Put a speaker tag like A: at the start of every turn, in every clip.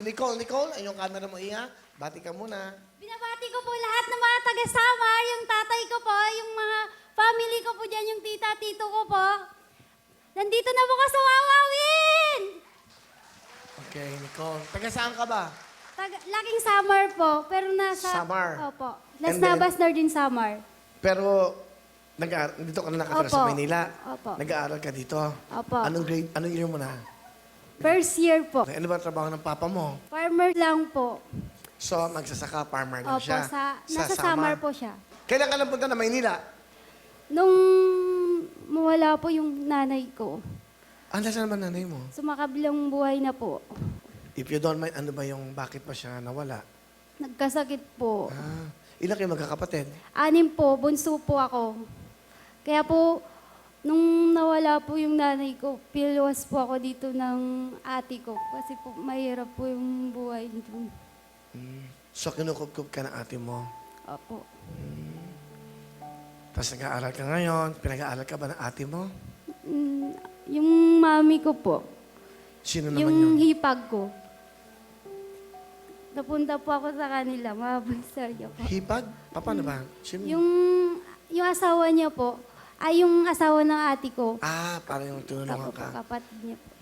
A: Nicole, ay yung camera mo iya. Bati ka muna.
B: Binabati ko po lahat ng mga taga-Samar, yung tatay ko po, yung mga family ko po dyan, yung tita, tito ko po. Nandito na po ka sa Wawawin!
A: Okay, Nicole. Taga saan ka ba?
B: Laking Samar po, pero nasa...
A: Samar.
B: Opo.
A: And
B: Las
A: then-
B: Navas Northern Samar.
A: Pero, dito ka na nakatira sa
B: Opo.
A: Maynila.
B: Opo.
A: Nag-aaral ka dito.
B: Opo.
A: Anong year mo na?
B: First year po.
A: Okay, ano ba ang trabaho ng papa mo?
B: Farmer lang po.
A: So, magsasaka, farmer lang
B: Opo,
A: siya.
B: nasa Samar po siya.
A: Kailan ka napunta na Maynila?
B: Nung mawala po yung nanay ko,
A: Nasaan naman nanay mo?
B: sumakabilang buhay na po.
A: If you don't mind, ano ba yung bakit pa siya nawala?
B: Nagkasakit po.
A: Ilan kayo magkakapatid?
B: 6 po, bunso po ako. Kaya po, nung nawala po yung nanay ko, piluwas po ako dito ng ate ko. Kasi po, mahirap po yung buhay dito.
A: So, kinukupkup ka ng ate mo.
B: Opo.
A: Tapos nag-aaral ka ngayon. Pinag-aaral ka ba ng ate mo?
B: Yung mami ko po,
A: Sino naman
B: yung
A: yun?
B: hipag ko. Napunta po ako sa kanila, mabasarya po.
A: Hipag? Paano ba? Sino?
B: Yung asawa niya po, ay yung asawa ng ate ko.
A: Parang yung tinulungan
B: Opo,
A: ka.
B: kapatid niya po.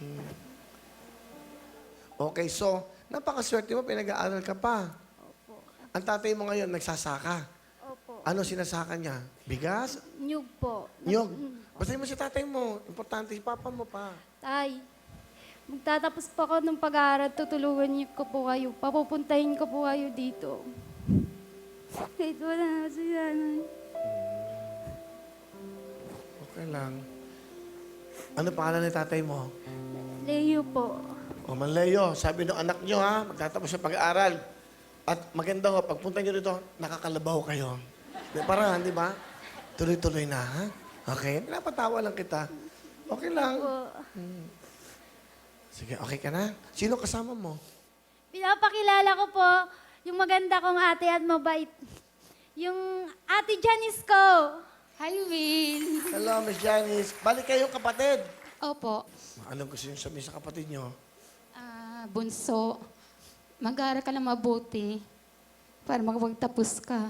A: Okay, so, napakaswerte mo, pinag-aaral ka pa. Ang tatay mo ngayon, nagsasaka.
B: Opo.
A: Ano sinasaka niya? Bigas?
B: Nyug po.
A: Nyog? Basahin mo si tatay mo. Importante si papa mo pa.
B: Tay, magtatapos pa ako ng pag-aaral, tutulungan niyo ko po kayo. Papupuntahin ko po kayo dito. Kahit wala na si nanay.
A: Okay lang. Ano pangalan ni tatay mo?
B: Leo po.
A: O Manleo, sabi ng anak nyo ha, magtatapos sa pag-aaral. At maganda ho, pagpunta nyo dito, nakakalabaw kayo. Para, di ba? Tuloy-tuloy na, ha? Okay? Pinapatawa lang kita. Okay lang.
B: Po.
A: Sige, okay ka na? Sino kasama mo?
B: Pinapakilala ko po yung maganda kong ate at mabait. Yung ate Janice ko.
C: Hi, Will.
A: Hello, Miss Janice. Balik kayong kapatid.
C: Opo.
A: Anong gusto nyo sabihin sa kapatid nyo?
C: Bunso, mag-aaral ka na mabuti para makapagtapos ka.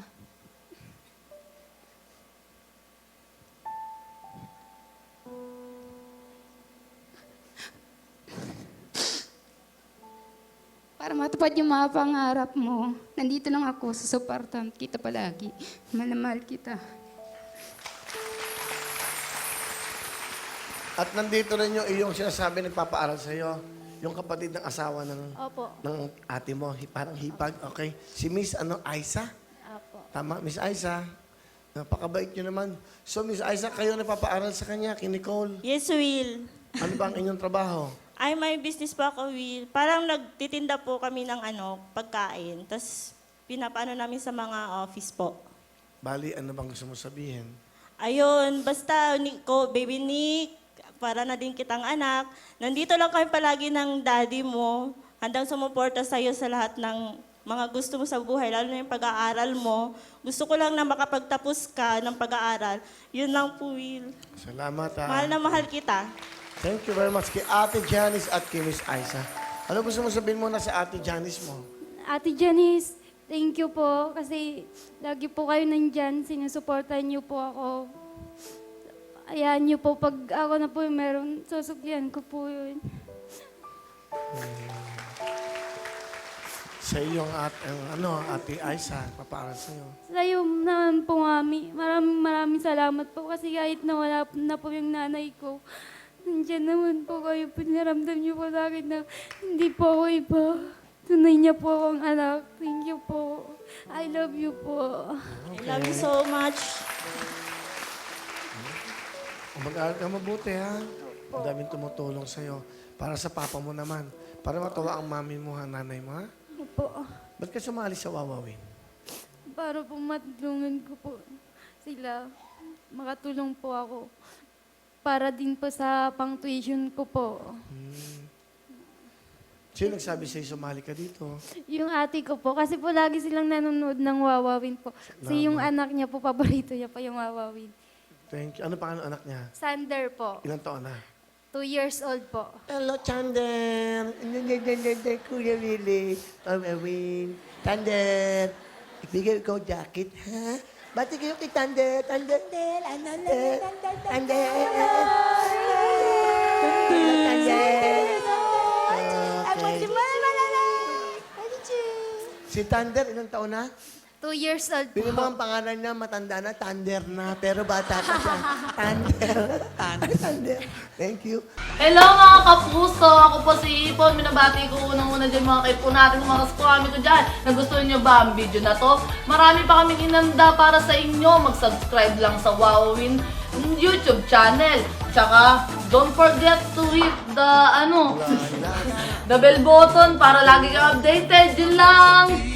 C: Para matupad yung mga pangarap mo. Nandito lang ako, susuportahan kita palagi. Mahal na mahal kita.
A: At nandito rin yung iyong sinasabi nagpapaaral sa iyo. Yung kapatid ng asawa
B: Opo.
A: ng ate mo, parang hipag, okay? Si Miss Aisa?
B: Opo.
A: Tama, Miss Aisa. Napakabait nyo naman. So, Miss Aisa, kayo nagpapaaral sa kanya, kay Nicole.
D: Yes, Will.
A: Ano ba ang inyong trabaho?
D: Ay, may business po ako, Will. Parang nagtitinda po kami ng pagkain. Tapos, pinapaano namin sa mga office po.
A: Bali, ano bang gusto mo sabihin?
D: Ayun, basta, Baby Nick, para na din kitang anak. Nandito lang kami palagi ng daddy mo. Handang sumuporta sa'yo sa lahat ng mga gusto mo sa buhay, lalo na yung pag-aaral mo. Gusto ko lang na makapagtapos ka ng pag-aaral. Yun lang po, Will.
A: Salamat, ha.
D: Mahal na mahal kita.
A: Thank you very much kay Ate Janice at kay Miss Aisa. Ano gusto mo sabihin muna sa Ate Janice mo?
B: Ate Janice, thank you po kasi lagi po kayo nandyan, sinusuportahan niyo po ako. Ayan niyo po, pag ako na po yung meron, susuklian ko po yun.
A: Sa iyong Ate Aisa, papaaral sa iyo.
B: Sa'yo naman po, Mami, maraming salamat po kasi kahit nawala na po yung nanay ko, nandiyan naman po kayo, pinaramdam niyo po sa akin na hindi po ako iba. Tunay niya po akong anak. Thank you po. I love you po.
D: I love you so much.
A: Mag-aaral ka mabuti, ha? Ang daming tumutulong sa'yo. Para sa papa mo naman. Para matuwa ang mami mo, ha, nanay mo, ha?
B: Opo.
A: Ba't ka sumali sa Wawawin?
B: Para po matulungan ko po sila. Makatulong po ako. Para din po sa pang-tuition ko po.
A: Sino nagsabi sa'yo sumali ka dito?
B: Yung ate ko po, kasi po lagi silang nanonood ng Wawawin po. Kasi yung anak niya po, paborito niya pa yung Wawawin.
A: Thank you. Ano pangalan ng anak niya?
B: Sander po,
A: Ilang taon na?
B: 2 years old po.
A: Hello, Thunder. Kuya Willie. Awin. Thunder. Ibigay ko jacket, ha? Bati kayo kay Thunder. Thunder. Thunder. Thunder. Okay. Si Thunder, ilang taon na?
B: 2 years old
A: Bili mo
B: po.
A: ang pangalan niya, matanda na, Thunder na. Pero bata pa siya. Thunder. Thunder. Thank you.
E: Hello mga kapuso! Ako po si Ipon. Minabati ko unang-una dyan mga kaipo natin, mga kaskwami ko dyan. Nagustuhan nyo ba ang video na to? Marami pa kaming inanda para sa inyo. Mag-subscribe lang sa Wowin YouTube channel. Tsaka, don't forget to hit the, the bell button para lagi kang updated. Yun lang!